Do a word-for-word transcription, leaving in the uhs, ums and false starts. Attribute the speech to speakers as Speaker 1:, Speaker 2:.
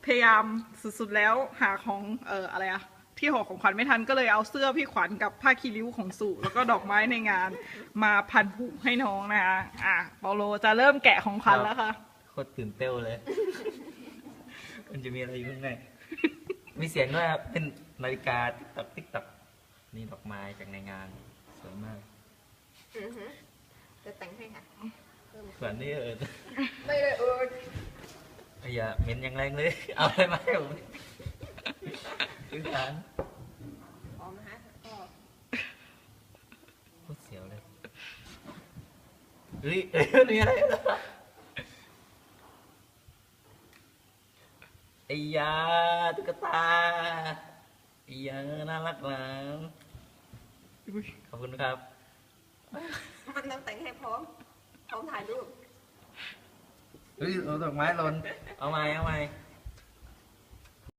Speaker 1: พยายามสุดๆแล้วหาของเอ่ออะไรอะที่ห่อของขวัญไม่ทันก็เลยเอาเสื้อพี่ขวัญกับผ้าคีริ้วของสุแล้วก็ดอกไม้ในงานมาพันผูกให้น้องนะคะอ่ะเปาโลจะเริ่มแกะของขวัญแล้วค่ะ
Speaker 2: โคตรตื่นเต้นเลย มันจะมีอะไรอยู่ข้างในมีเสียงด้วยครับเป็นนาฬิกาติ๊กตักติ๊กตักนี่ดอกไม้จากในงานสวยมาก
Speaker 3: อือฮึจะแต่งให้ค่ะเพิ่ม
Speaker 2: ส่วนนี้เออ
Speaker 3: ไม่เลยเออ
Speaker 2: อย่าเหม็นอย่างแรงเลย เอาอะไรมาให้ผมคือการ
Speaker 3: หอมนะฮะก็
Speaker 2: โคตรเสียวเลยเฮ้ยเอ้ยมีอะไรไอ้ยาตุ๊กตาไอ้ยาน่ารักนะขอบคุณครับ
Speaker 3: มันต้องแต่งให้พร้อมพร้อมถ่ายรูป
Speaker 2: เฮ้ยเอาดอกไม้หล่นเอาไม้เอาไม้